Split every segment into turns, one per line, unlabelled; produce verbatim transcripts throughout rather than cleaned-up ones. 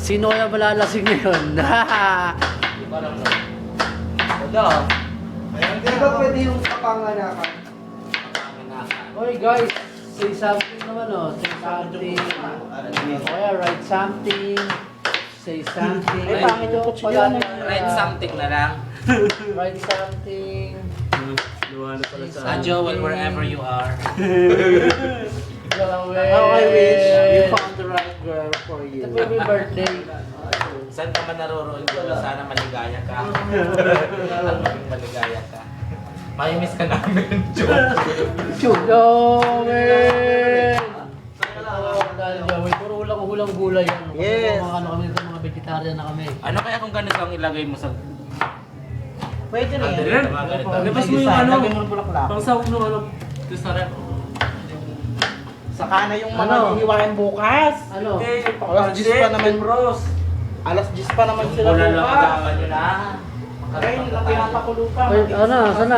Sino kaya malalasing ngayon?
Iba lang no. Wala.
Hindi ba pwede yung kapanganakan?
Oy guys, say something naman oh. Say something. O kaya write something. Say something.
Ay,
pangit yung pala.
Write something na lang.
Write something.
Ah, Joel, wherever you are.
Joel.
How I wish you found the right girl for you.
Ito po yung birthday.
Saan ka man naroroon ko, sana maligaya ka. At maging maligaya ka. May miss ka namin, Joel.
Joel! Oh, dahil Joel, puro ulang-ulang gulay yan.
Yes.
Mga ano kami dito, mga vegetarian na kami.
Ano kaya kung ganito ang ilagay mo sa...
Pwede na
Andre,
yan.
mga ganito.
Labas mo yung ano,
Lagyan mo ng bulaklak.
pang sahog ng ano, ito sa rep.
Saka na yung mga
Ano?
hihiwain bukas.
Ano?
Okay,
Alas diyes pa naman.
Rose.
Alas diyes pa naman sila
Wala lang
bukas.
agawan nyo na.
Kaya hindi na pinapakulo pa.
Ay, ano? Sana?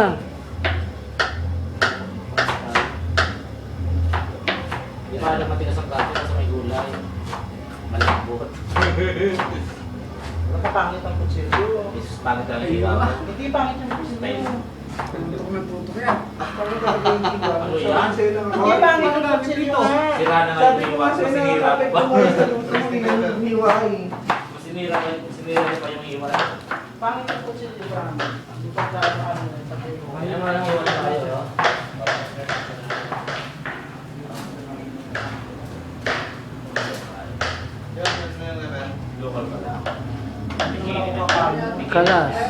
Di ba alam matigas ang gato sa may gulay? Malambot.
Nakapangit ang kutsilyo.
Jesus, pangit lang yung hiwa mo.
Hindi pangit yung kutsilyo.
Hindi ko may puto kaya.
Ano yan?
Hindi pangit yung kutsilyo nga.
Sira na nga yung hiwa. Masinira mo pa.
Hiwai.
Masinira pa yung masinira niya pa yung hiwa.
Pangit yung kutsilyo ba? Hindi pa ano ano.
Ano naman ang hiwa na kayo? Local pala. Bikini na.
Kalas.